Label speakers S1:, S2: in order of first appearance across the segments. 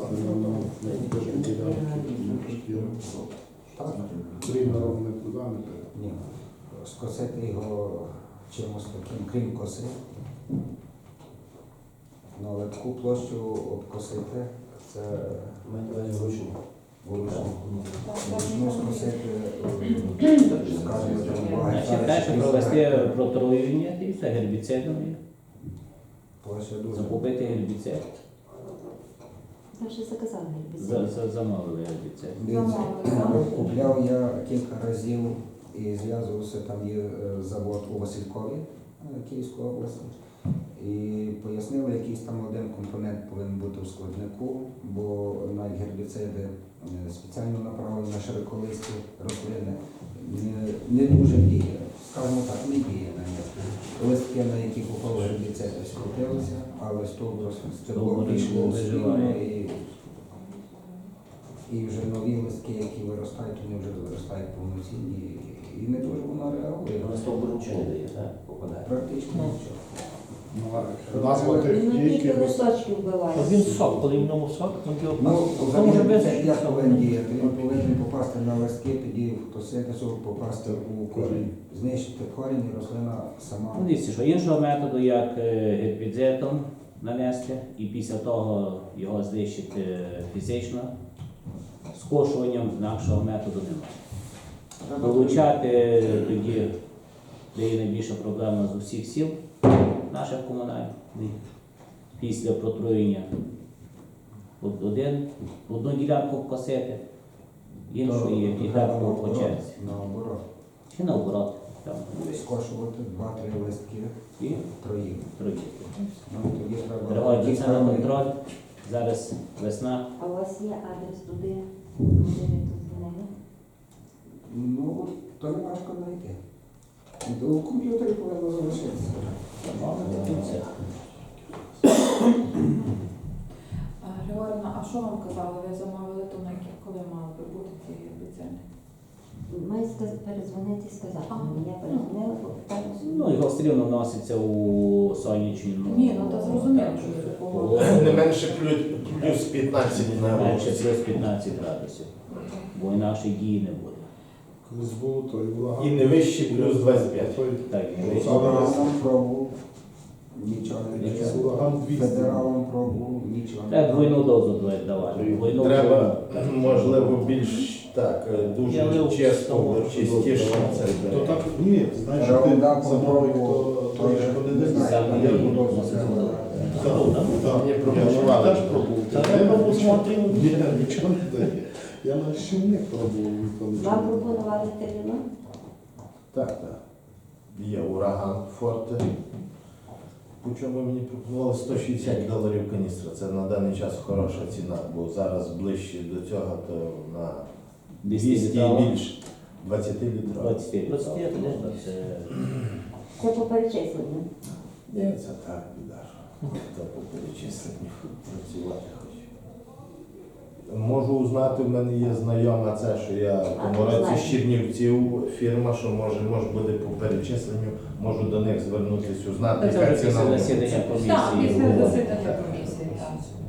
S1: покласти на
S2: Так.
S1: Тригером не туди, не туди.
S2: Ні. Скосити його чимось таким, крім коси. Ну, але таку площу обкосити, це вручну. Вручну скосити, скажімо,
S3: Значить, далі провести протруювання і все гербіцидом.
S2: площа дуже.
S3: Закупити гербіцид.
S4: Ми вже заказали гербіцид.
S3: Замовили гербіцид.
S2: Дивіться, купляв я кілька разів і зв'язувався, там є завод у Василькові, Київської області. І пояснили, якийсь там один компонент повинен бути у складнику, бо навіть гербіциди спеціально направлені на широколисті рослини не дуже діє, скажімо так, не діє на них. Листки, на які попали гербіциди, скрутилися, але стовбур пішло спільно і вже нові листки, які виростають, вони вже виростають повноцінні і не дуже воно реагує.
S5: На стовбур нічого не дає, так? Попадає.
S2: Практично нічого.
S1: Назва тих
S4: Він тільки
S1: дійки.
S4: листочки вбиває.
S6: Він сок, коли в ньому сок,
S2: Ну,
S6: то може без
S2: взагалі, як повинен діяти? Він повинен попасти на листки, тоді фотосинтезу, попасти у корінь, знищити корінь і рослина сама.
S3: Ну, дивіться, що іншого методу, як гербіцидом нанести, і після того його знищити фізично, скошуванням інакшого методу немає. Вилучати тоді, де є найбільша проблема з усіх сіл наших комунальних, після протруєння одну ділянку косити, іншу і так по черзі.
S2: Наоборот.
S3: Чи наоборот, там
S2: Скошувати 2-3 листки
S3: і
S2: троїв.
S3: труді.
S2: Ну, тоді треба
S3: Тривають це на
S2: дійсно-
S3: контроль. Зараз весна.
S4: А у вас є адрес туди, куди ви тут дзвонили?
S2: Ну, то не важко знайти. У комп'ютері повинно залишитися.
S7: Григорівна, а що вам казали? Ви замовили то, коли мали би бути ці гербіциди?
S4: Має передзвонити і сказати. Я передзвонила, попиталася.
S3: Ну, його все рівно вноситься у сонячну.
S7: Ні, ну то зрозуміло, що це такого.
S5: Не менше плюс 15 на
S3: Менше
S5: вулиці.
S3: плюс 15 градусів, бо інакше дії не буде.
S1: Колись було той ураган.
S5: І не вище плюс 25.
S1: Той
S3: Так, і вище.
S2: Федералам пробував, нічого не
S1: якийсь
S2: вийшло.
S1: ураган 200.
S2: Федералам пробував, нічого не
S3: Треба двойну дозу давати. Двойну
S5: Треба,
S3: дозу.
S5: можливо, більш так,
S3: Я
S5: дуже
S3: лив
S5: чисто,
S3: того,
S5: чистіше це
S1: То
S5: йде.
S1: так, ні, знаєш, що ти замовив, то той ж вони не знають.
S3: Саме
S1: Я
S3: її
S1: буду
S3: вносити.
S1: Так,
S5: Мені
S1: я
S5: пропонували.
S1: теж пробував.
S6: Та я пробував, смотрів.
S1: Ні, нічого не дає. Я на щільник пробував. то нічого
S4: Вам
S1: не дає.
S4: пропонували терміну?
S5: Так, так. Є ураган Форте. По чому мені пропонували $160 каністра. Це на даний час хороша ціна, бо зараз ближче до цього, то на 200 і більше. 20 літрів.
S3: 20 це
S4: Це по перечисленню.
S5: Ні, це так, біда. То по перечисленню працювати хочу. Можу узнати, в мене є знайома це, що я в тому році з Чернівців, фірма, що може буде по перечисленню, можу до них звернутися, узнати,
S3: Це
S5: яка
S3: вже
S5: ціна.
S3: після засідання
S7: Так,
S3: комісії.
S7: після
S3: було.
S7: засідання комісії, так.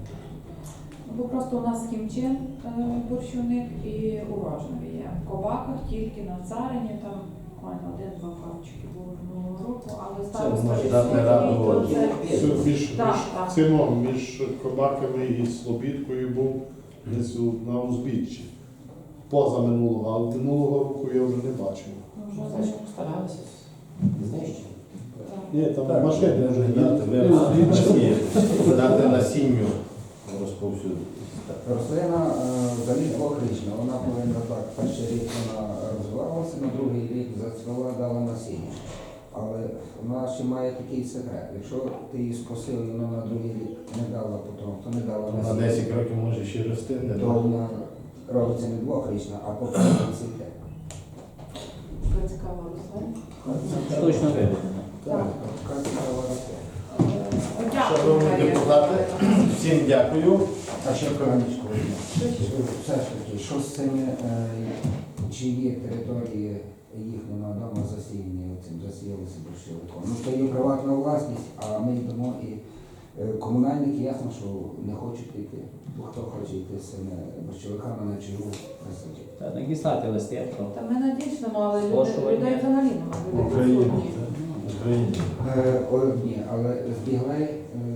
S7: Бо просто у нас хімчин борщівник і урожнові є. В Коваках тільки на Царині, там буквально 1-2 фабчики було минулого року, але староста
S5: може дати раду.
S7: відсутній, то це...
S1: Між
S7: Так, так.
S1: цином, між Кобаками і Слобідкою був десь на узбіччі. Поза минулого, а минулого року я вже не бачив.
S7: Вже
S5: Старалися знищити.
S1: Ні, там
S5: Так,
S1: машини вже
S5: дати насінню розповсюдити.
S2: Рослина взагалі двохрічна, вона повинна так, перший рік вона розвивалася, на другий рік зацвіла, дала насіння. Але вона ще має такий секрет. Якщо ти її скосив і вона на другий рік не дала потім, то не дала
S5: На
S2: насіння,
S5: 10 років може ще рости, не
S2: то вона робиться не двохрічна, а по 5 цвіте.
S7: Така цікава рослина.
S3: Точно виведено.
S2: Так, така цікава рослина.
S5: Шановні депутати, всім дякую.
S2: А ще хронічку. Все ж таки, що з цими, чи є території їхніми вдома засіяні, цим засіялися борщовиком? Ну, то є приватна власність, а ми йдемо і Комунальники ясно, що не хочуть йти. Бо хто хоче йти з цими борщовиками на чергу присадити.
S3: Та надіслати листи про
S7: Та ми надійшли, але
S3: Скошування.
S7: людей взагалі немає.
S5: В
S7: Людей
S5: Україні.
S7: відсутні.
S5: В Україні.
S2: Ні, але збіглей,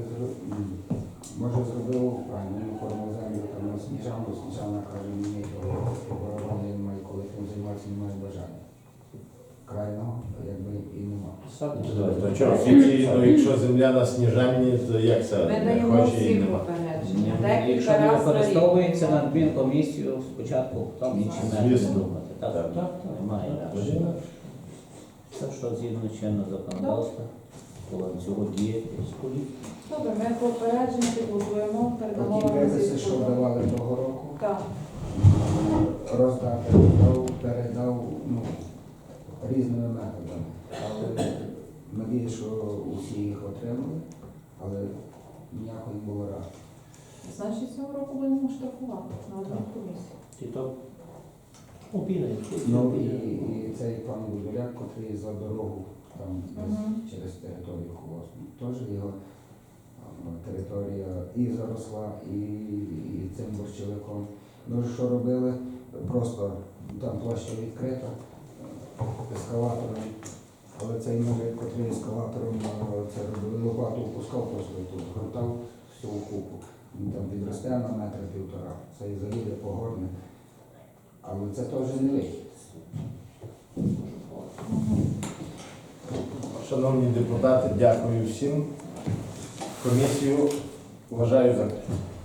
S2: може, зробив правильно, він оформив землю там на Сніжану, Сніжана каже, мені того оборони немає, коли тим займатися, немає бажання. Крайного, якби, і нема.
S5: То що, офіційно, якщо земля на Сніжанні, то як це?
S7: Ми
S5: Не
S7: даємо
S5: хоче і
S7: всім
S5: нема.
S7: попередження.
S3: якщо
S7: Декілька
S3: не
S7: разів на рік.
S3: використовується на адмінкомісію, спочатку там інші методи
S5: Звісно.
S3: думати. Так,
S5: Так.
S3: так, немає інакше. Це що згідно чинного законодавства, коли цього діяти з політики.
S7: Добре, ми попередження підготуємо, передамо
S2: Оті
S7: вам
S2: виписи, що
S7: звістку.
S2: давали того року,
S7: Так.
S2: роздати, передав різними методами. Але надію, що усі їх отримали, але ніякої не було ради.
S7: Значить, цього року будемо штрафувати на одну комісію.
S6: Ті то обідають.
S2: Ну і цей пан Будуляк, котрий за дорогу там
S7: Мгм.
S2: через територію Холосну, теж його територія і заросла, і цим борщовиком. Ну що робили? Просто там площа відкрита ескалатором, але цей мужик, котрий ескалатором це робили, лопату опускав просто тут, гортав всю купу. Він там підросте на метр півтора, це і заїде погорне. Але це теж не вихід.
S5: Шановні депутати, дякую всім. Комісію вважаю закритою.